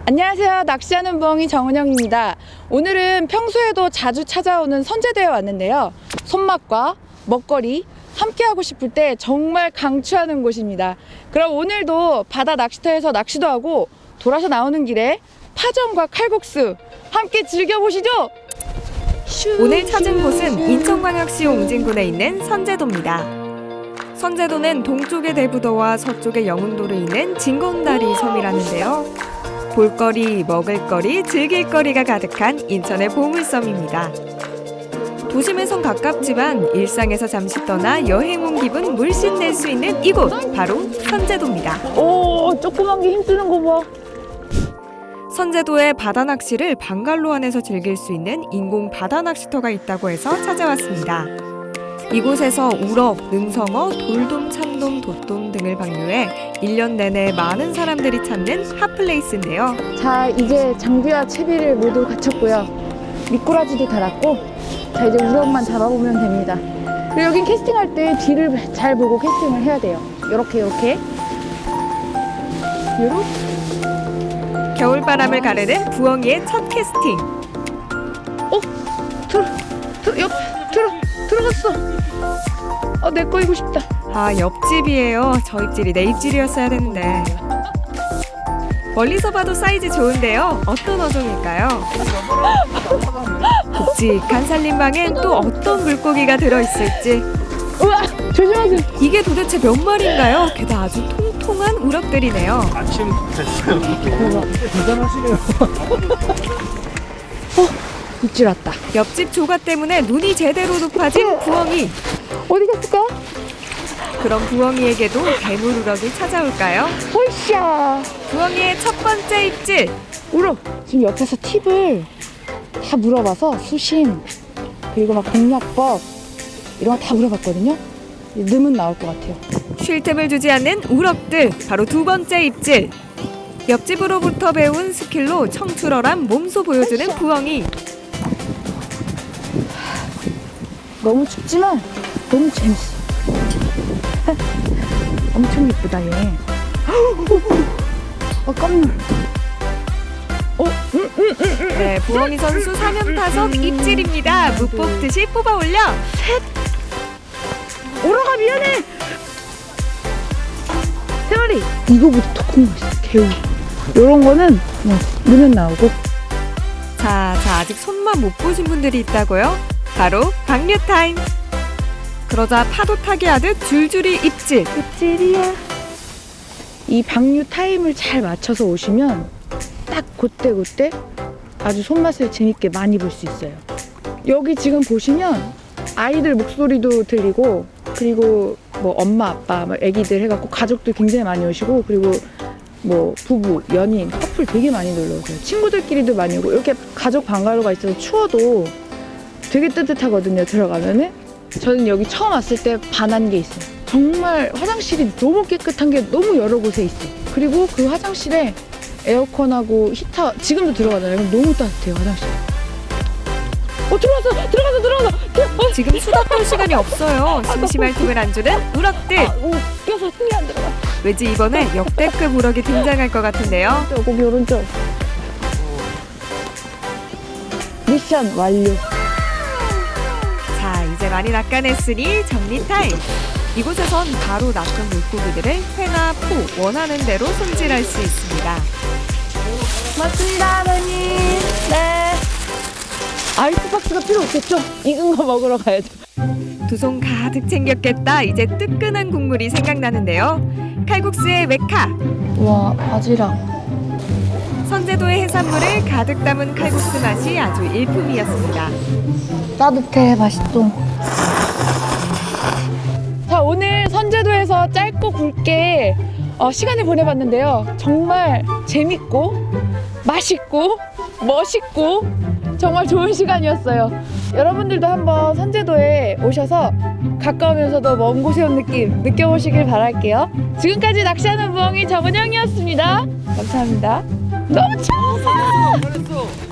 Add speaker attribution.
Speaker 1: 안녕하세요. 낚시하는 부엉이 정은영입니다. 오늘은 평소에도 자주 찾아오는 선제도에 왔는데요. 손맛과 먹거리 함께하고 싶을 때 정말 강추하는 곳입니다. 그럼 오늘도 바다 낚시터에서 낚시도 하고 돌아서 나오는 길에 파전과 칼국수 함께 즐겨보시죠.
Speaker 2: 오늘 찾은 곳은 인천광역시 옹진군에 있는 선제도입니다. 선제도는 동쪽의 대부도와 서쪽의 영흥도로 있는 진검다리 섬이라는데요. 볼거리, 먹을거리, 즐길거리가 가득한 인천의 보물섬입니다. 도심에선 가깝지만 일상에서 잠시 떠나 여행 온 기분 물씬 낼 수 있는 이곳, 바로 선제도입니다.
Speaker 1: 오, 조그만 게 힘쓰는 거 봐.
Speaker 2: 선제도의 바다 낚시를 방갈로 안에서 즐길 수 있는 인공 바다 낚시터가 있다고 해서 찾아왔습니다. 이곳에서 우럭, 능성어, 돌돔, 참돔, 돛돔 등을 방류해 1년 내내 많은 사람들이 찾는 핫플레이스인데요.
Speaker 1: 자, 이제 장비와 채비를 모두 갖췄고요. 미꾸라지도 달았고, 자, 이제 우럭만 잡아보면 됩니다. 그리고 여긴 캐스팅할 때 뒤를 잘 보고 캐스팅을 해야 돼요. 요렇게.
Speaker 2: 겨울바람을 가르는 부엉이의 첫 캐스팅.
Speaker 1: 들어갔어. 내 거이고 싶다.
Speaker 2: 아, 옆집이에요. 저 입질이 내 입질이었어야 되는데. 멀리서 봐도 사이즈 좋은데요. 어떤 어종일까요? 굵직한 살림방엔 또 어떤 물고기가 들어있을지.
Speaker 1: 우와, 조심하세요.
Speaker 2: 이게 도대체 몇 마리인가요? 게다가 아주 통통한 우럭들이네요.
Speaker 3: 아침 됐어요. 대단하시네요.
Speaker 1: 입질 왔다.
Speaker 2: 옆집 조가 때문에 눈이 제대로 높아진 부엉이.
Speaker 1: 어디 갔을까?
Speaker 2: 그럼 부엉이에게도 대물 우럭이 찾아올까요?
Speaker 1: 홀샤.
Speaker 2: 부엉이의 첫 번째 입질.
Speaker 1: 우럭. 지금 옆에서 팁을 다 물어봐서 수심, 그리고 막 공략법 이런 거 다 물어봤거든요. 넣으면 나올 것 같아요.
Speaker 2: 쉴 틈을 주지 않는 우럭들. 바로 두 번째 입질. 옆집으로부터 배운 스킬로 청출어란 몸소 보여주는 부엉이.
Speaker 1: 너무 춥지만 너무 재밌어. 엄청 예쁘다 얘. 깜놀.
Speaker 2: 네, 부엉이 선수 3연 타석 입질입니다. 무 뽑듯이 뽑아 올려.
Speaker 1: 오라가 미안해. 세 마리. 이거보다 더 큰 거 있어. 개우. 요런 거는 그냥 넣으면 나오고.
Speaker 2: 자, 아직 손만 못 보신 분들이 있다고요? 바로 방류 타임. 그러자 파도 타기 하듯 줄줄이 입질.
Speaker 1: 입질이야. 이 방류 타임을 잘 맞춰서 오시면 딱 그때 아주 손맛을 재밌게 많이 볼 수 있어요. 여기 지금 보시면 아이들 목소리도 들리고, 그리고 뭐 엄마 아빠 막 애기들 해갖고 가족들 굉장히 많이 오시고, 그리고 뭐 부부 연인 커플 되게 많이 놀러 오세요. 친구들끼리도 많이 오고. 이렇게 가족 방가로가 있어서 추워도 되게 뜨뜻하거든요. 들어가면은. 저는 여기 처음 왔을 때 반한 게 있어요. 정말 화장실이 너무 깨끗한 게 너무 여러 곳에 있어요. 그리고 그 화장실에 에어컨하고 히터 지금도 들어가잖아요. 그럼 너무 따뜻해요, 화장실. 들어가서.
Speaker 2: 지금 수다 떨 시간이 없어요. 심심할 틈을 안 주는 우럭들.
Speaker 1: 웃겨서 숨이 안 들어가.
Speaker 2: 왠지 이번에 역대급 우럭이 등장할 것 같은데요.
Speaker 1: 고기 오른쪽. 미션 완료.
Speaker 2: 자, 이제 많이 낚아냈으니 정리 타임. 이곳에선 바로 낚은 물고기들을 회나 포 원하는 대로 손질할 수 있습니다.
Speaker 1: 맞습니다, 아버님. 네. 아이스박스가 필요 없겠죠? 익은 거 먹으러 가야죠.
Speaker 2: 두 손 가득 챙겼겠다. 이제 뜨끈한 국물이 생각나는데요. 칼국수의 메카.
Speaker 1: 와, 바지락.
Speaker 2: 선제도의 해산물을 가득 담은 칼국수 맛이 아주 일품이었습니다.
Speaker 1: 따뜻해, 맛있어. 자, 오늘 선제도에서 짧고 굵게 시간을 보내봤는데요. 정말 재밌고 맛있고 멋있고 정말 좋은 시간이었어요. 여러분들도 한번 선제도에 오셔서 가까우면서도 먼 곳에 온 느낌 느껴보시길 바랄게요. 지금까지 낚시하는 부엉이 정은영이었습니다. 감사합니다. 너무 추워!